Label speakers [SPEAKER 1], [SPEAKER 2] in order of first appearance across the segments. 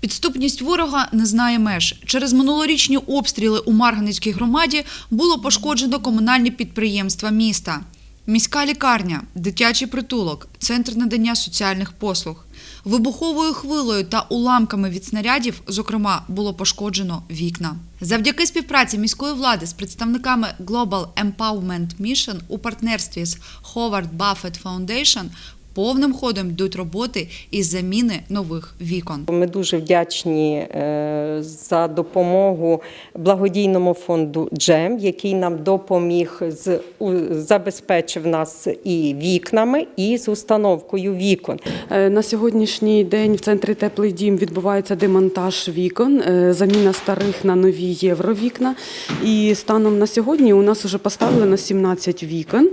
[SPEAKER 1] Підступність ворога не знає меж. Через минулорічні обстріли у Марганецькій громаді було пошкоджено комунальні підприємства міста. Міська лікарня, дитячий притулок, центр надання соціальних послуг. Вибуховою хвилею та уламками від снарядів, зокрема, було пошкоджено вікна. Завдяки співпраці міської влади з представниками Global Empowerment Mission у партнерстві з Howard Buffett Foundation повним ходом йдуть роботи із заміни нових вікон.
[SPEAKER 2] Ми дуже вдячні за допомогу благодійному фонду «Джем», який нам допоміг, забезпечив нас і вікнами, і з установкою вікон.
[SPEAKER 3] На сьогоднішній день в центрі «Теплий дім» відбувається демонтаж вікон, заміна старих на нові євровікна. І станом на сьогодні у нас вже поставлено 17 вікон,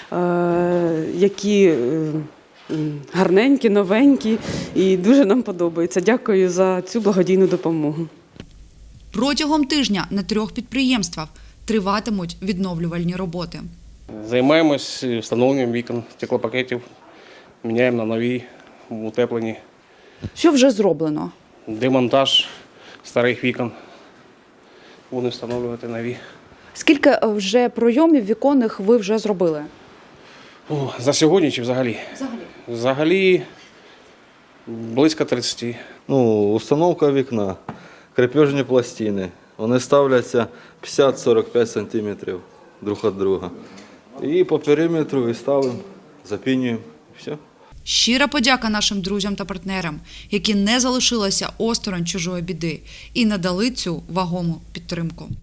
[SPEAKER 3] які гарненькі, новенькі і дуже нам подобається. Дякую за цю благодійну допомогу.
[SPEAKER 1] Протягом тижня на 3 підприємствах триватимуть відновлювальні роботи.
[SPEAKER 4] Займаємось встановленням вікон, стеклопакетів, міняємо на нові, утеплені.
[SPEAKER 1] Що вже зроблено?
[SPEAKER 4] Демонтаж старих вікон, будемо встановлювати нові.
[SPEAKER 1] Скільки вже пройомів віконних ви вже зробили?
[SPEAKER 4] За сьогодні чи взагалі? Взагалі близько 30.
[SPEAKER 5] Установка вікна, крепежні пластини. Вони ставляться 50-45 см друг від друга. І по периметру і ставимо, запінюємо, і все.
[SPEAKER 1] Щира подяка нашим друзям та партнерам, які не залишилися осторонь чужої біди і надали цю вагому підтримку.